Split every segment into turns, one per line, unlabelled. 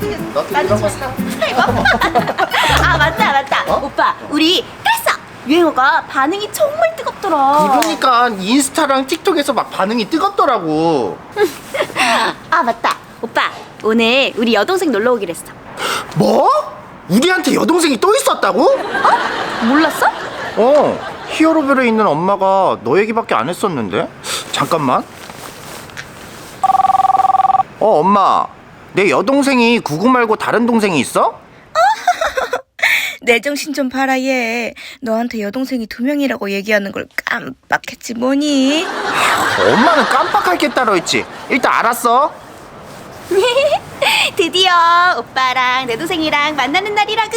나도 이런 거 사.
아 맞다.
어?
오빠 우리 깠어. 유행어가 반응이 정말 뜨겁더라.
그러니까 인스타랑 틱톡에서 막 반응이 뜨겁더라고.
아 맞다. 오빠 오늘 우리 여동생 놀러 오기로 했어.
뭐? 우리한테 여동생이 또 있었다고?
몰랐어?
히어로별에 있는 엄마가 너 얘기밖에 안 했었는데? 잠깐만. 엄마, 내 여동생이 구구 말고 다른 동생이 있어?
내 정신 좀 봐라 얘. 너한테 여동생이 2명이라고 얘기하는 걸 깜빡했지 뭐니?
엄마는 깜빡할 게 따로 있지. 일단 알았어.
드디어 오빠랑 내 동생이랑 만나는 날이라구.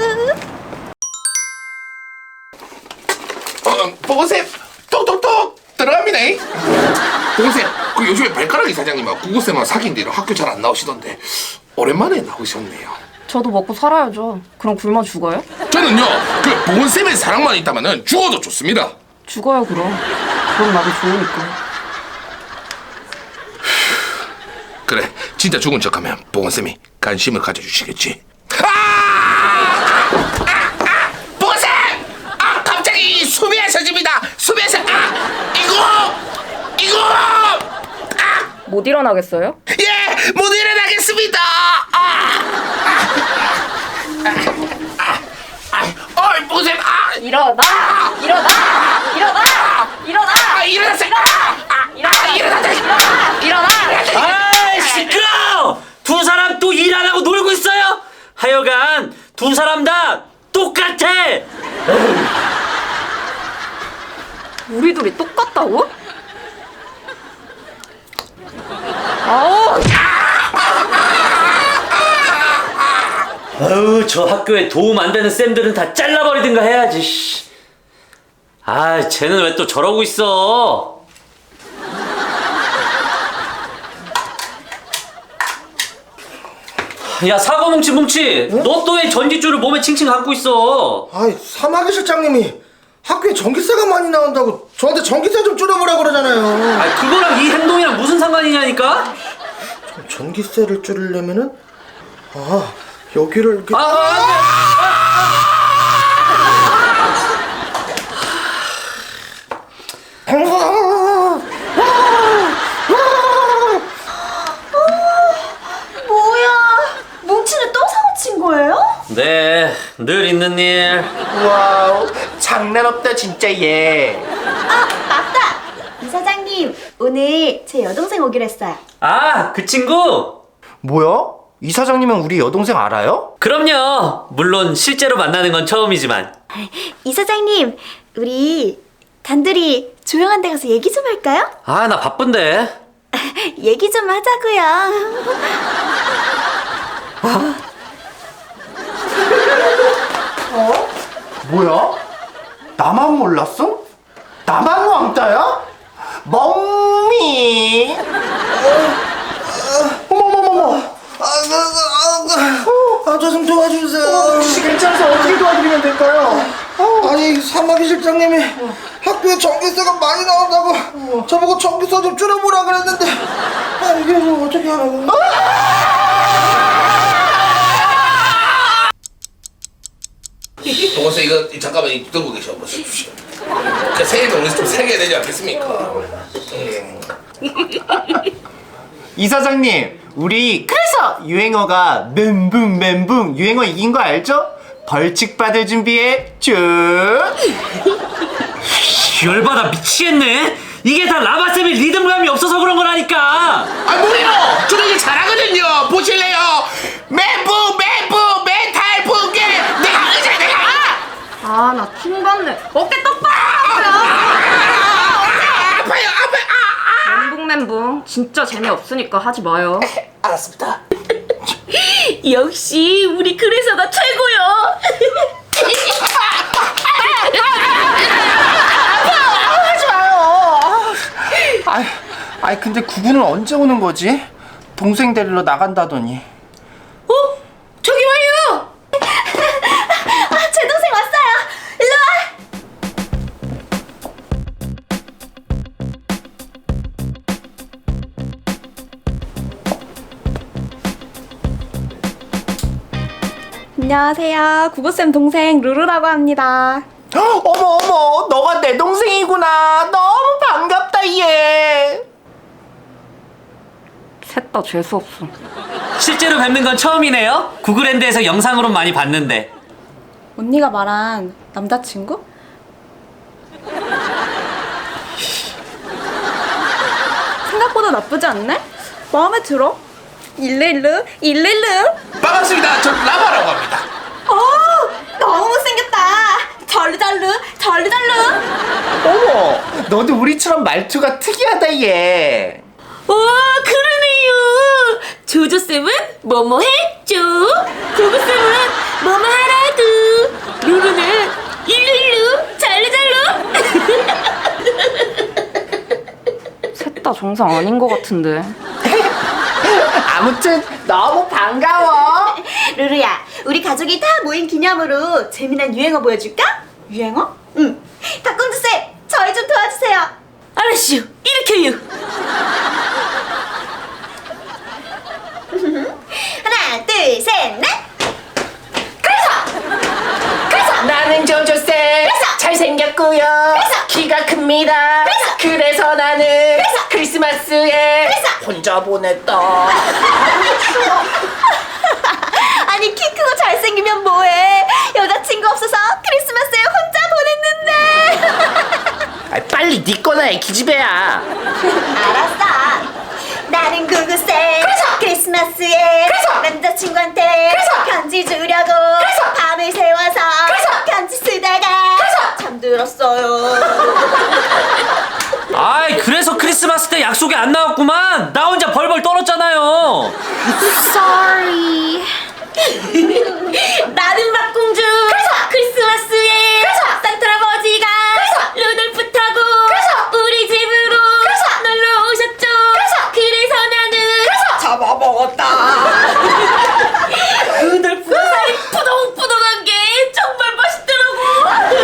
보고쌤 똑똑똑 들어갑니다. 보고쌤 그 요즘에 발가락 이사장님하고 구구쌤하고 사귄 뒤로 학교 잘 안 나오시던데 오랜만에 나오셨네요.
저도 먹고 살아야죠. 그럼 굶어 죽어요?
저는요 그 보건쌤의 사랑만 있다면은 죽어도 좋습니다.
죽어요 그럼. 그럼 나도 좋으니까.
그래 진짜 죽은 척하면 보건쌤이 관심을 가져주시겠지. 보건쌤! 갑자기 수비에서 집니다. 수비에서 이거
못 일어나겠어요?
예! 못 일어나겠습니다! 보쌤!
일어나!
일어났어요! 일어났어요!
아이 시끄러워! 두 사람 또 일 안 하고 놀고 있어요? 하여간 두 사람 다 똑같아!
우리 둘이 똑같다고?
아유 저 학교에 도움 안 되는 쌤들은 다 잘라버리든가 해야지. 씨. 아 쟤는 왜 또 저러고 있어? 야 사과 뭉치 너 또 왜 전기줄을 몸에 칭칭 감고 있어?
아이, 사마귀 실장님이 학교에 전기세가 많이 나온다고 저한테 전기세 좀 줄여보라 그러잖아요.
아 그거랑 이 행동이랑 무슨 상관이냐니까?
전기세를 줄이려면은 여기를 이렇게
뭐야? 뭉치는 또 사고 친 거예요?
네, 늘 있는 일.
와우, 장난 없다 진짜 얘.
아 맞다. 이사장님 오늘 제 여동생 오기로 했어요.
아, 그 친구?
뭐야? 이 사장님은 우리 여동생 알아요?
그럼요. 물론 실제로 만나는 건 처음이지만.
이사장님 우리 단둘이 조용한 데 가서 얘기 좀 할까요?
아, 나 바쁜데.
얘기 좀 하자고요.
뭐야? 나만 몰랐어? 나만 왕따야? 멍미. 어머머머머.
저 좀 도와주세요.
혹시 괜찮아서 어떻게 도와드리면 될까요?
아니, 사마귀 실장님이 학교에 전기세가 많이 나온다고 저보고 전기세 좀 줄여보라 그랬는데 이게 좀 어떻게 하라고?
보건쌤 이거 잠깐만 들고 계셔 보십시오. 그 새해는 우리 좀 새겨야 되지 않겠습니까?
이 사장님, 우리 그래서 유행어가 멘붕 유행어 이긴 거 알죠? 벌칙 받을 준비해 쭉.
열받아 미치겠네. 이게 다 라바쌤이 리듬감이 없어서 그런 거라니까.
뭐래요? 저는 이게 잘하거든요. 보실래요? 멘붕 멘탈 붕괴 내가 의자 내가
아, 나 킹받네. 어깨 똑바로!
아파요.
멘붕. 진짜 재미없으니까 하지 마요.
알았습니다.
역시 우리 그래서가 최고요.
아이 근데 구구는 언제 오는 거지? 동생 데리러 나간다더니.
저기 와요. 제 동생 왔어요. 일로 와. 안녕하세요. 구구쌤 동생 루루라고 합니다.
어머, 너가 내 동생이구나. 너무 반갑다, 얘.
셋 다 재수없어.
실제로 뵙는 건 처음이네요. 구글랜드에서 영상으로 많이 봤는데.
언니가 말한 남자친구? 생각보다 나쁘지 않네? 마음에 들어? 일일루.
반갑습니다. 저 라바라고 합니다.
너무 못생겼다. 절르절르.
어머, 너도 우리처럼 말투가 특이하다, 얘.
와, 그러네요. 조조쌤은 뭐뭐 했죠? 구구쌤은 뭐뭐 하라도. 루루는 일루일루 잘루잘루.
셋 다 정상 아닌 것 같은데.
아무튼 너무 반가워.
루루야, 우리 가족이 다 모인 기념으로 재미난 유행어 보여줄까? 유행어? 응. 닭공주쌤, 저희 좀 도와주세요.
알았슈, 일으켜요.
하나, 둘, 셋, 넷.
나는 조조쌤. 잘생겼고요. 키가 큽니다. 그래서 나는 크리스마스에 혼자 보냈다.
아니, 키 크고 잘생기면 뭐해? 여자친구 없어서 크리스마스에 혼자 보냈는데.
빨리 네 거나 해, 기집애야.
알았어. 나는 구구쌤. 크리스마스에 남자친구한테 편지 주려고 밤을 새워서 편지 쓰다가 잠들었어요.
아이, 그래서 크리스마스 때 약속이 안 나왔구만. 나 혼자 벌벌 떨었잖아요.
Sorry.
나는 박공주. 크리스마스에 산타 할아버지가 루돌프 타고 우리 집으로 놀러 오셨죠. 그래서 나는
잡아먹었다.
루돌프 살이 푸동푸동한 게 정말 맛있더라고.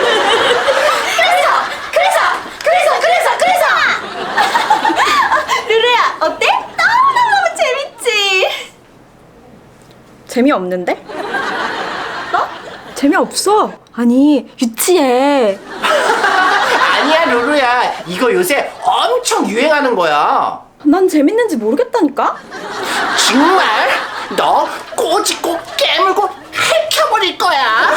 루루야, 어때? 너무너무 재밌지? 재미없는데? 재미없어. 아니, 유치해.
아니야, 루루야. 이거 요새 엄청 유행하는 거야.
난 재밌는지 모르겠다니까?
정말? 너 꼬집고 깨물고 해켜버릴 거야.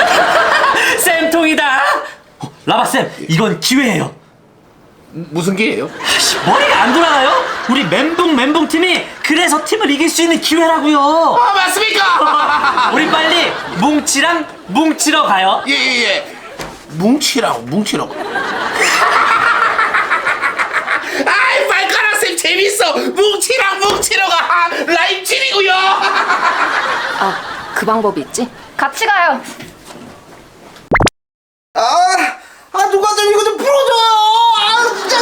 쌤통이다. 라바쌤, 이건 기회예요.
무슨 기회예요?
머리가 안 돌아가요? 우리 멘붕 팀이 그래서 팀을 이길 수 있는 기회라고요.
아, 맞습니까?
우리 빨리 뭉치랑 뭉치러 가요.
예. 뭉치라고. 아이, 발가락 쌤 재밌어. 뭉치러가 라임질이고요.
아, 그 방법이 있지? 같이 가요.
누가 좀 이거 좀 풀어줘요. 진짜.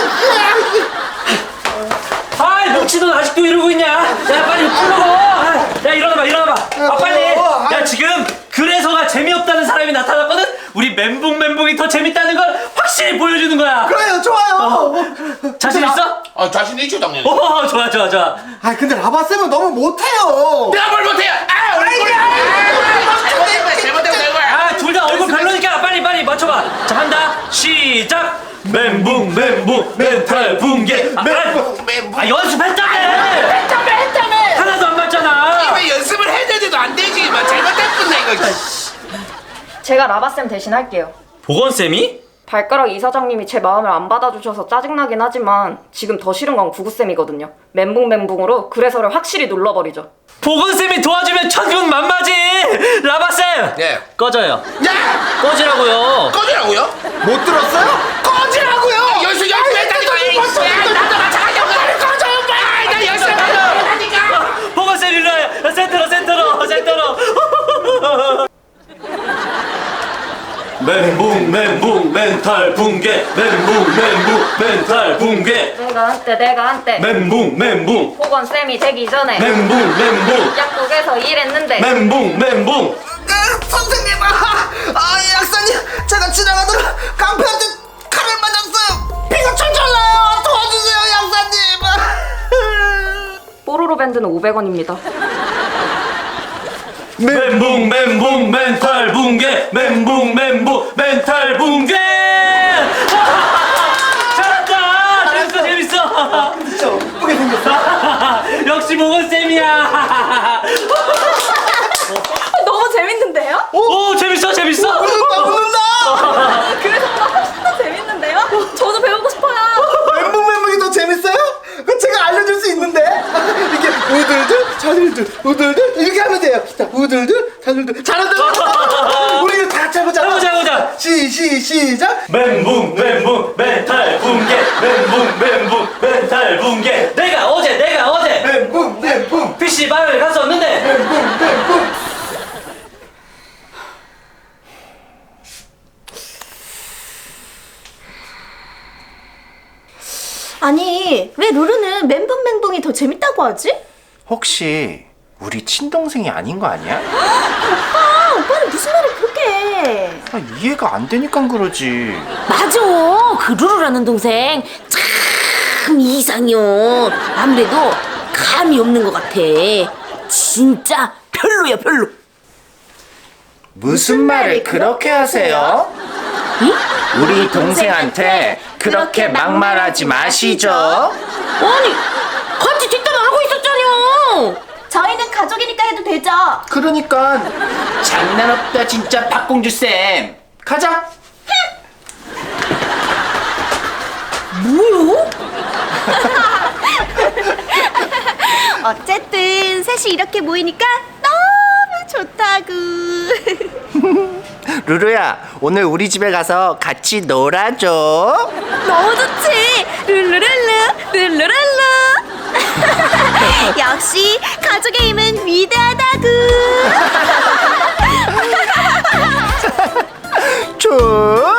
아이, 뭉치도 아직도 이러고 있냐? 야, 빨리 풀어고. 야, 일어나봐. 빨리. 야, 지금 그래서가 재미없다는 사람이 나타났거든. 우리 멘붕이 더 재밌다는 걸 확실히 보여주는 거야.
그래요, 좋아요.
자신 있어?
아, 자신 있죠, 당연히.
좋아.
근데 라바쌤은 너무 못해요.
내가 뭘 못해요? 잘못된 거야.
아, 둘 다 얼굴 별로니까 빨리 맞춰봐. 자, 한다. 시작. 멘붕 멘탈 붕괴.
멘붕.
연습했다며.
했다며.
하나도 안 맞잖아.
왜 연습을 했는데도 안 되지? 잘못했구나 이거.
제가 라바쌤 대신 할게요.
보건쌤이?
발가락 이사장님이 제 마음을 안 받아주셔서 짜증나긴 하지만 지금 더 싫은 건 구구쌤이거든요. 멘붕으로 그래서를 확실히 눌러버리죠.
보건쌤이 도와주면 천군 만마지. 라바쌤.
예.
꺼져요.
야!
꺼지라고요.
꺼지라고요?
못 들었어요?
꺼지라고요! 열심히 했다니까! 나도 마찬가지야! 꺼져요 빨리! 나 열심히 했다니까!
보건쌤 일로 와요. 센터로. 멘붕 멘탈 붕괴. 멘탈 붕괴.
내가 한때
멘붕
보건쌤이 되기 전에
멘붕
약국에서 일했는데
멘붕.
선생님, 약사님, 제가 지나가다가 깡패한테 칼을 맞았어요. 피가 철철 나요. 도와주세요, 약사님.
뽀로로 밴드는 500원입니다.
멘붕 멘붕 멘탈 붕괴 멘붕 멘붕 멘탈 붕괴. 잘한다. 재밌어 재밌어.
진짜 예쁘게 생겼어.
역시 모건쌤이야.
너무 재밌는데요?
오 재밌어 재밌어.
웃는다.
그래서보다 훨씬 더 재밌는데요? 저도 배우고 싶어요.
멘붕이 더 재밌어요? 그 제가 알려줄 수 있는데. 이게 우들들 자들들 우들들 이렇게 하면 돼요. 자 우들들 자들들 잘한다. 우리 이거 다 같이 해보자.
해보자.
시작.
멘붕 멘붕 멘탈 붕괴 멘붕 멘붕 멘탈 붕괴. 내가 어제
멘붕
PC방을 갔었는데
멘붕.
아니, 왜 루루는 멘붕멘붕이 더 재밌다고 하지?
혹시 우리 친동생이 아닌 거 아니야?
오빠는 무슨 말을 그렇게 해?
아, 이해가 안 되니까 그러지.
맞아. 그 루루라는 동생 참 이상해요. 아무래도 감이 없는 것 같아. 진짜 별로야 별로.
무슨 말을 그렇게 하세요?
응?
우리 동생한테 그렇게 막말하지 마시죠.
아니 같이 뒷담화 하고 있었잖아요.
저희는 가족이니까 해도 되죠?
그러니까 장난 없다 진짜 박공주 쌤. 가자.
뭐요?
어쨌든 셋이 이렇게 모이니까 너무 좋다구.
루루야, 오늘 우리 집에 가서 같이 놀아줘.
너무 좋지. 룰루룰루. 역시 가족의 힘은 위대하다구.
좋.